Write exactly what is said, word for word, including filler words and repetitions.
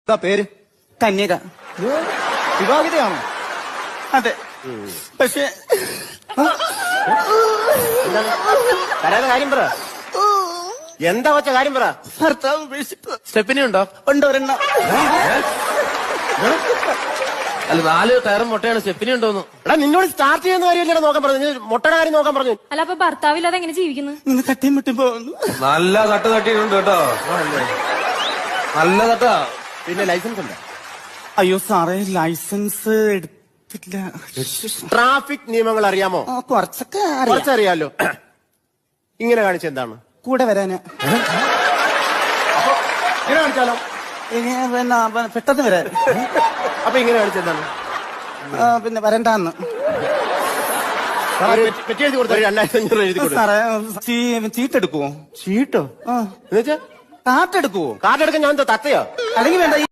എന്താ പേര്? കന്യക. വിവാഹിതയാണോ? അതെ. പക്ഷെ കരയാതെ കാര്യം പറ. എന്താ വച്ച കാര്യം പറ. ഭർത്താവ് ഉപേക്ഷിച്ചു. സ്റ്റെപ്പിനി ഉണ്ടോ? ഉണ്ട് ഒരെണ്ണം. അല്ല, നാല് ടയറും മുട്ടയാണ്. സ്റ്റെപ്പിനി ഉണ്ടോന്ന്. എടാ, നിന്നോട് സ്റ്റാർട്ട് ചെയ്യുന്ന കാര്യമല്ലേ നോക്കാൻ പറഞ്ഞു. മുട്ടയുടെ കാര്യം നോക്കാൻ പറഞ്ഞു. അല്ല, അപ്പൊ ഭർത്താവില്ലാതെ എങ്ങനെ ജീവിക്കുന്നു? ഇന്ന് തട്ടിയും മുട്ടും പോകുന്നു. നല്ല തട്ട് തട്ടിയിട്ടുണ്ട് കേട്ടോ. നല്ല തട്ടാ. പിന്നെ ലൈസൻസ് ഉണ്ട്? അയ്യോ സാറേ, ലൈസൻസ് എടുത്തില്ല. ട്രാഫിക് നിയമങ്ങൾ അറിയാമോ? ആ, കുറച്ചൊക്കെ അറിയാം. കുറച്ചറിയാലോ. ഇങ്ങനെ കാണിച്ച എന്താണ്? കൂടെ വരാന്. ഇങ്ങനെ കാണിച്ചാലോ? ഇനി പിന്നെ പ- പെട്ടെന്ന് വരാൻ. അപ്പൊ ഇങ്ങനെ കാണിച്ച എന്താണ്? ആ, പിന്നെ വരണ്ടാന്ന്. പെറ്റി എഴുതി കൊടുത്ത രണ്ടായിരത്തി അഞ്ഞൂറ് എഴുതി കൊടുത്തു. സാറേ, ചീ- ചീട്ടെടുക്കുവോ? ചീട്ടോ? ആ, എന്നുവെച്ചാ കാട്ടെടുക്കുവോ? കാർഡ് എടുക്കാൻ ഞാൻ എന്താ തത്തയോ? അല്ലെങ്കിൽ വേണ്ട.